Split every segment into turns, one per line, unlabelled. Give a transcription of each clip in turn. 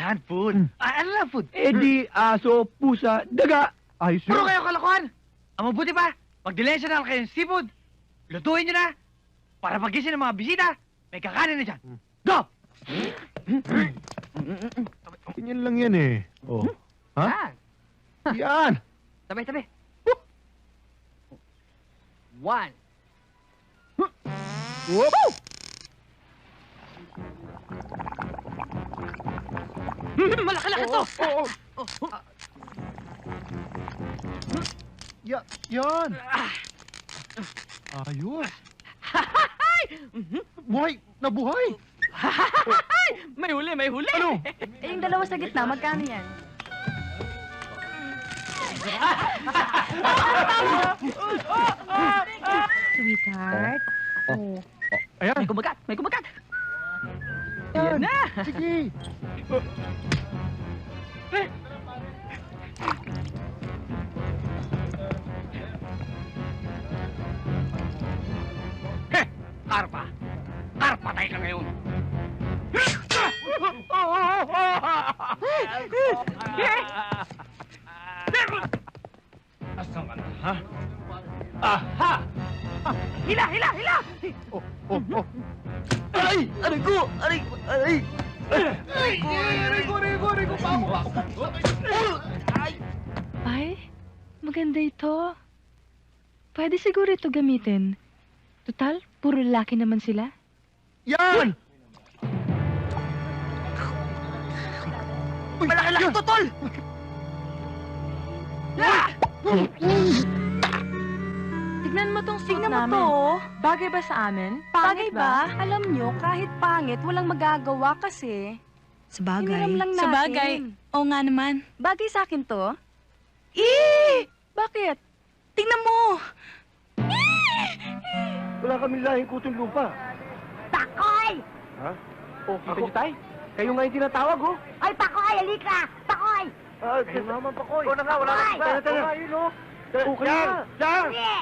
yan, food. Ano lang food?
Di aso, pusa, daga. Ayos
Puro
yun.
kayo kalokohan! Ang mabuti pa, mag-delensya na kayo ng seafood. Lutuin nyo na. Para pagising ng mga bisita, may kakanin na dyan. Go!
Ganyan lang yan eh. Oh. Ha?
Ah,
Yan.
tabi. One.
Whoop!
Malaki-laki to!
Yan. Ayos. Buhay! Nabuhay!
May huli!
Ano?
Eh, yung dalawa sa gitna, magkano yan? Sweetheart? Oh.
Ayan.
May kumagat!
Yan.
Yan na!
Sige.
Karpa! Karpa tayo ka ngayon!
Asan ka na, ha? Aha!
Hila!
Oh. Ay! Aray ko! Aray ko!
Ay, maganda ito. Pwede siguro ito gamitin. Total, puro lalaki naman sila.
Yan!
Malaki-laki to, tol!
Tignan mo tong suit
Tignan mo
namin.
to, bagay ba sa amin? Pangit
Bagay ba?
Alam nyo, kahit pangit, walang magagawa kasi.
Sabagay.
Hiniram lang natin.
Sabagay. Oo nga naman.
Bagay sa akin to. Bakit?
Tingnan mo!
Wala kaming lahing kutong lupa.
Pakoy!
Ha? Oh, kita niyo tay? Kayo nga yung tinatawag, oh.
Ay, Pakoy, halika! Pakoy!
Ayun naman pa, Koy.
na nga, wala na iba.
Tara. Ayun, oh. Okay na. Diyan!
Sige!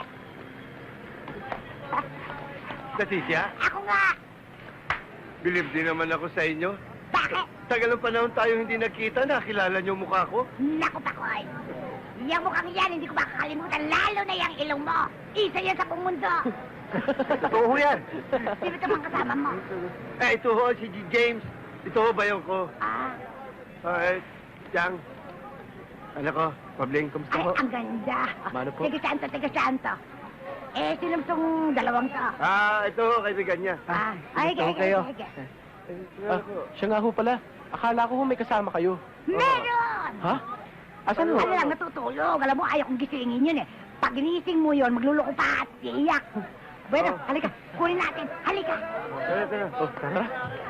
Leticia,
Ako nga!
bilib din naman ako sa inyo.
Bakit?
Tagal ng panahon tayo hindi nagkita, nakilala niyo mukha ko.
Naku, Pakoy! Yung mukhang yan, hindi ko makakalimutan, lalo na yung ilong mo. Isa yan sa buong mundo.
Totoo yan.
Sino ito bang kasama mo?
Ito ho, si James. Ito ho, bayaw ko.
Ah,
Jang. Anak ko, Pabling, kumusta
ay,
ho?
ang ganda.
Mano po?
Tiga saan to? Sino itong dalawang to?
Ito ho, kaibigan niya.
Ay,
gusto ko kayo. Siya nga ho pala. Akala ko ho may kasama kayo.
Meron!
Ha? Asan ho?
Ano lang, natutulog. Alam mo, ayaw kong gisingin yun eh. Pag ginising mo yun, magluloko pa at iiyak. Bueno, halika. Kunin natin. Halika.
Tara.
Oh, tara.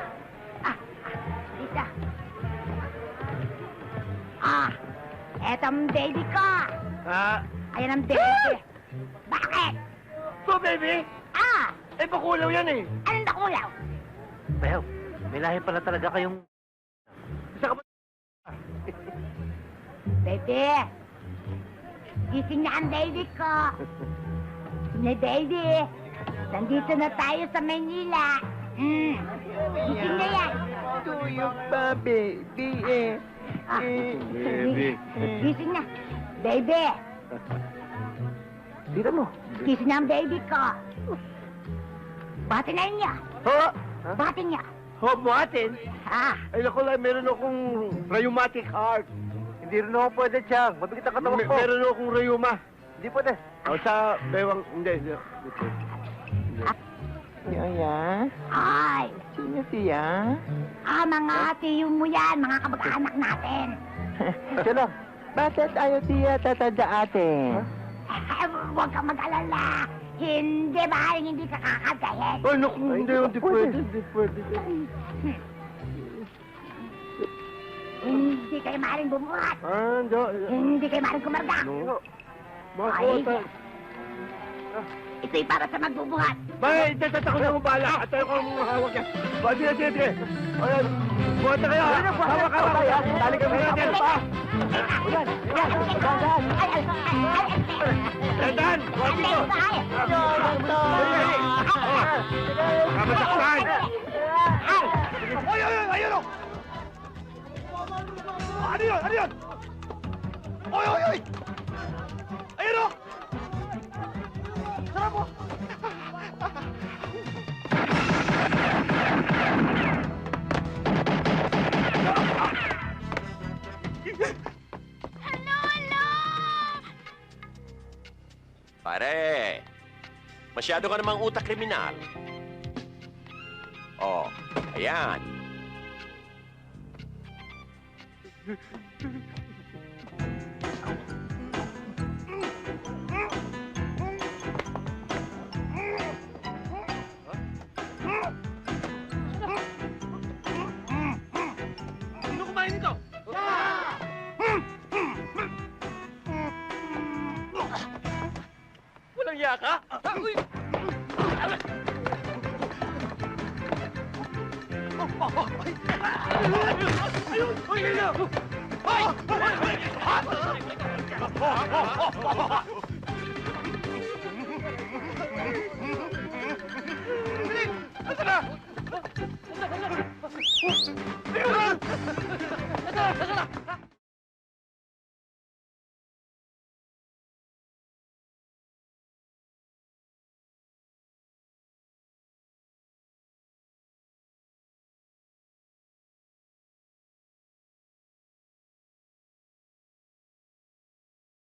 Isa. Eto ang baby ko. Ayan ang baby. Bakit?
So, baby, bakulaw yan eh.
Anong nakulaw?
Bayaw, may lahi pala talaga kayong... Isa ka ba?
Baby. Gising na ang baby ko. Na baby. Nandito na tayo sa Manila. Gising na yan.
Tuyok pa, baby eh.
Baby.
Gising na. Baby.
Tira mo.
Gising na ang baby ko. Bati na niya.
Ho?
Bati niya.
Ho, buhatin?
Ah.
Ay, naku lang, meron akong rheumatic heart.
Hindi rin ako pwede, Chang. Mabigat ang katawan ko.
Meron akong rheuma.
Hindi pwede.
O, sa bewang... Hindi.
Yaya?
Ay.
Sino siya?
Mga tiyo mo yan. Mga kamag-anak natin.
Siya lang. Bakit ayaw tiya tatanda atin?
Huwag kang mag-alala. Hindi ba? Hindi ka kakagayin.
Ay, naku, hindi pwede.
Hindi kayo maaaring bumuhat.
Hindi.
Hindi kayo maaaring kumarga.
No.
Ay, ito'y para sa magbubuhat.
Bay, ako na mong bala. At ako ang hawak yan. Sige. Ayan, buhat na kayo. Hawak. Tali kami natin.
Ay,
Dandan, buhat dito. Kamasaktan. Ayun o. yun? Ano yun? Oy, oy, oy! Ayun o! Sarap mo!
Pare, masyado ka namang utak kriminal. Oh, ayan.
Sino kumain nito?
Walang iya ka?
Uy!
Ayun! Ayun! Ayun!